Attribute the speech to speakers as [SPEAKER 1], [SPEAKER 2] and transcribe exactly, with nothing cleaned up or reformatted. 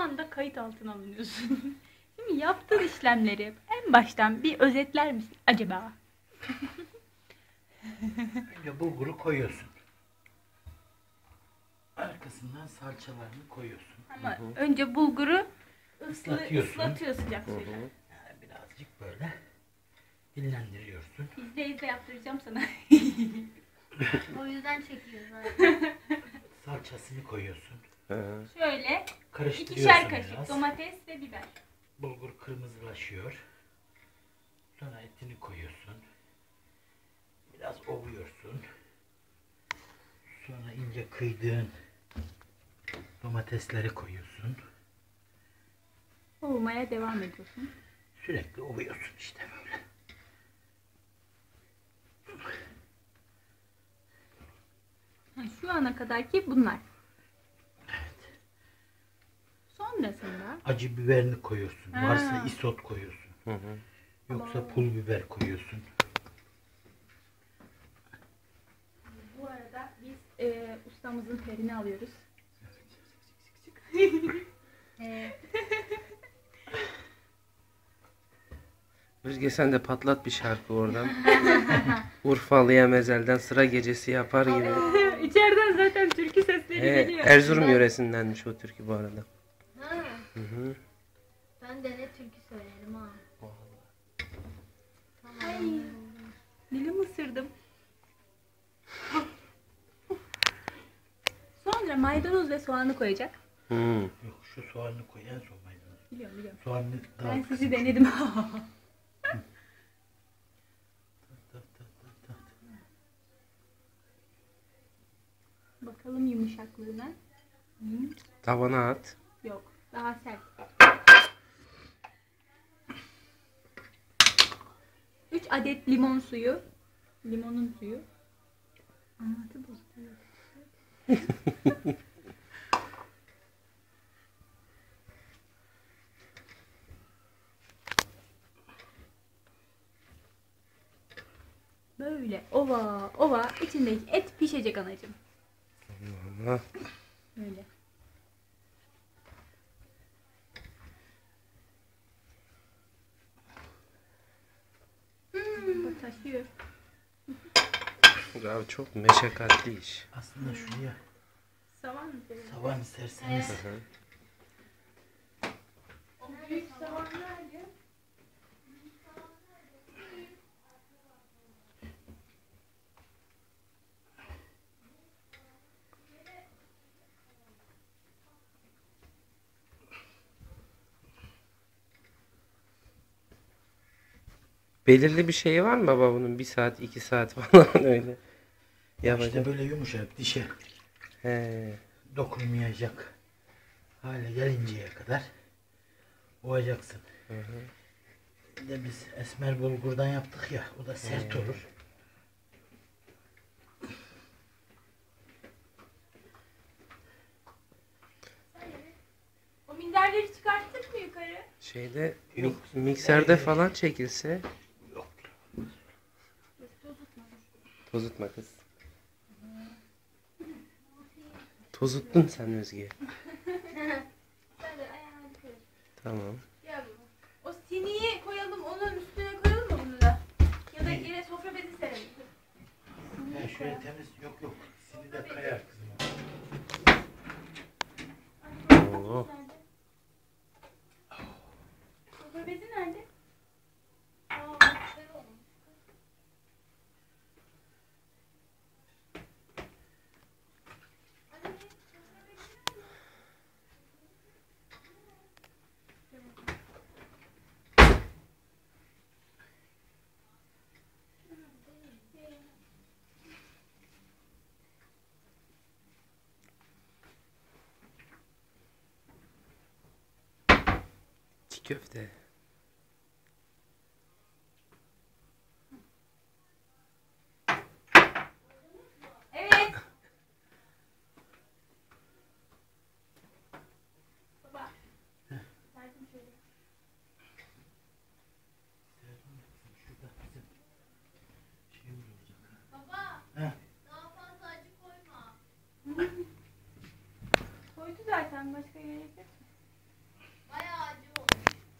[SPEAKER 1] anda kayıt altına alınıyorsun. Şimdi yaptığın işlemleri en baştan bir özetler misin acaba?
[SPEAKER 2] Önce bulguru koyuyorsun. Arkasından salçalarını koyuyorsun.
[SPEAKER 1] Ama önce bulguru ıslı,
[SPEAKER 2] Islatıyorsun.
[SPEAKER 1] ıslatıyor sıcak suyla.
[SPEAKER 2] Yani birazcık böyle dinlendiriyorsun.
[SPEAKER 1] İzle izle yaptıracağım sana.
[SPEAKER 3] O yüzden çekiyor zaten.
[SPEAKER 2] Salçasını koyuyorsun.
[SPEAKER 1] Şöyle
[SPEAKER 2] Karıştırıyorsun
[SPEAKER 1] ikişer kaşık
[SPEAKER 2] biraz.
[SPEAKER 1] domates ve biber.
[SPEAKER 2] Bulgur kırmızılaşıyor. Sonra etini koyuyorsun. Biraz ovuyorsun. Sonra ince kıydığın domatesleri koyuyorsun.
[SPEAKER 1] Ovmaya devam ediyorsun.
[SPEAKER 2] Sürekli ovuyorsun işte böyle.
[SPEAKER 1] Ha, şu ana kadarki bunlar.
[SPEAKER 2] Evet.
[SPEAKER 1] Sonrasında
[SPEAKER 2] Acı biberini koyuyorsun.
[SPEAKER 1] Ha.
[SPEAKER 2] Varsa isot koyuyorsun.
[SPEAKER 4] Hı hı.
[SPEAKER 2] Yoksa pul biber koyuyorsun.
[SPEAKER 1] bu arada biz e, ustamızın terini alıyoruz.
[SPEAKER 3] Ee,
[SPEAKER 4] Özge sen de patlat bir şarkı oradan. Urfalı'ya mezelden sıra gecesi yapar gibi.
[SPEAKER 1] İçeriden zaten türkü sesleri
[SPEAKER 4] Ee,
[SPEAKER 1] geliyor.
[SPEAKER 4] Erzurum yöresindenmiş o türkü bu arada.
[SPEAKER 3] ha,
[SPEAKER 4] Hı hı.
[SPEAKER 3] ben de ne türkü söylerim ha. Tamam.
[SPEAKER 1] Ay. Dilimi ısırdım. Sonra maydanoz ve soğanı koyacak.
[SPEAKER 4] Hı.
[SPEAKER 2] Yok şu soğanını koy en son maydanoz.
[SPEAKER 1] Biliyorum biliyorum.
[SPEAKER 2] Soğanını daha
[SPEAKER 1] Ben
[SPEAKER 2] kısık.
[SPEAKER 1] sizi denedim.
[SPEAKER 2] Tak, tak, tak, tak.
[SPEAKER 1] Bakalım yumuşaklığına. Hı,
[SPEAKER 4] Tavana at.
[SPEAKER 1] yok. Daha sert. üç adet limon suyu. Limonun suyu. Anlatı bozuluyor. Böyle ova ova içindeki et pişecek anacığım.
[SPEAKER 4] Ama
[SPEAKER 1] Böyle. Hmm, bu taşıyor.
[SPEAKER 4] abi çok meşakkatli iş.
[SPEAKER 2] Aslında şuraya
[SPEAKER 1] Savan mı seviyorsun?
[SPEAKER 2] savan isterseniz
[SPEAKER 4] Hı hı.
[SPEAKER 1] O büyük savan nerede?
[SPEAKER 4] Belirli bir şey var mı baba bunun? Bir saat, iki saat falan öyle.
[SPEAKER 2] işte
[SPEAKER 4] Yapacak.
[SPEAKER 2] böyle yumuşak dişe
[SPEAKER 4] He.
[SPEAKER 2] dokunmayacak hale gelinceye kadar ovacaksın.
[SPEAKER 4] Hı hı.
[SPEAKER 2] Bir de biz esmer bulgurdan yaptık ya, o da sert
[SPEAKER 4] He.
[SPEAKER 2] olur.
[SPEAKER 1] O minderleri çıkarttık mı yukarı?
[SPEAKER 4] Şeyde
[SPEAKER 2] Yok.
[SPEAKER 4] mik- mikserde
[SPEAKER 2] Ee,
[SPEAKER 4] falan çekilse
[SPEAKER 2] Yok.
[SPEAKER 4] tozutma kız. Tozuttun sen Özge.
[SPEAKER 1] Hadi ayağını koy.
[SPEAKER 4] Tamam.
[SPEAKER 1] Gel baba. O siniyi koyalım, onun üstüne koyalım mı bunu da? Ya da yine sofra bezi serelim.
[SPEAKER 2] Ha, şöyle temiz, yok yok. Seni de kayar kızım.
[SPEAKER 4] Oo.
[SPEAKER 1] Sofra bezi nerede?
[SPEAKER 3] Aa, güzel olmuş.
[SPEAKER 4] Çiğ köfte.
[SPEAKER 1] Evet. Baba. Serdim şöyle.
[SPEAKER 2] Şurada bizim şeyimiz olacak.
[SPEAKER 3] Baba,
[SPEAKER 2] Heh.
[SPEAKER 3] daha fazla acı koyma.
[SPEAKER 1] Koydu zaten, başka gerek yok.